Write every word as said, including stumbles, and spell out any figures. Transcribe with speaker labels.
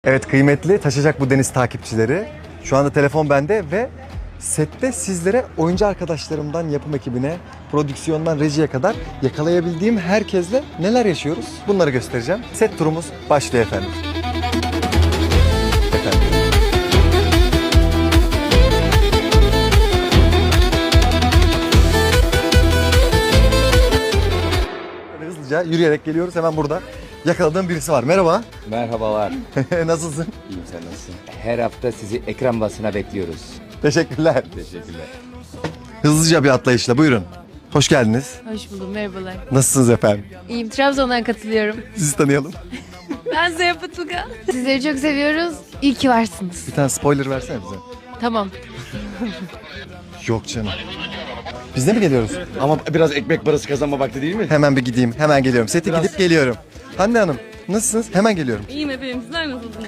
Speaker 1: Evet kıymetli Taşacak Bu Deniz takipçileri. Şu anda telefon bende ve sette sizlere oyuncu arkadaşlarımdan yapım ekibine, prodüksiyondan rejiye kadar yakalayabildiğim herkesle neler yaşıyoruz bunları göstereceğim. Set turumuz başlıyor efendim. Efendim. Böyle hızlıca yürüyerek geliyoruz, hemen burada yakaladığım birisi var. Merhaba.
Speaker 2: Merhabalar.
Speaker 1: Nasılsın?
Speaker 2: İyiyim, sen nasılsın? Her hafta sizi ekran basına bekliyoruz.
Speaker 1: Teşekkürler.
Speaker 2: Teşekkürler.
Speaker 1: Hızlıca bir atlayışla buyurun. Hoş geldiniz.
Speaker 3: Hoş buldum, merhabalar.
Speaker 1: Nasılsınız efendim?
Speaker 3: İyiyim, Trabzon'dan katılıyorum.
Speaker 1: Sizi tanıyalım.
Speaker 3: Ben Zeynep Atılgan. Sizleri çok seviyoruz. İyi ki varsınız.
Speaker 1: Bir tane spoiler versene bize.
Speaker 3: Tamam.
Speaker 1: Yok canım. Biz de mi geliyoruz?
Speaker 4: Ama biraz ekmek parası kazanma vakti değil mi?
Speaker 1: Hemen bir gideyim. Hemen geliyorum. Sete gidip geliyorum. Hande Hanım nasılsınız? Hemen geliyorum.
Speaker 5: İyiyim efendim, sizler nasılsınız?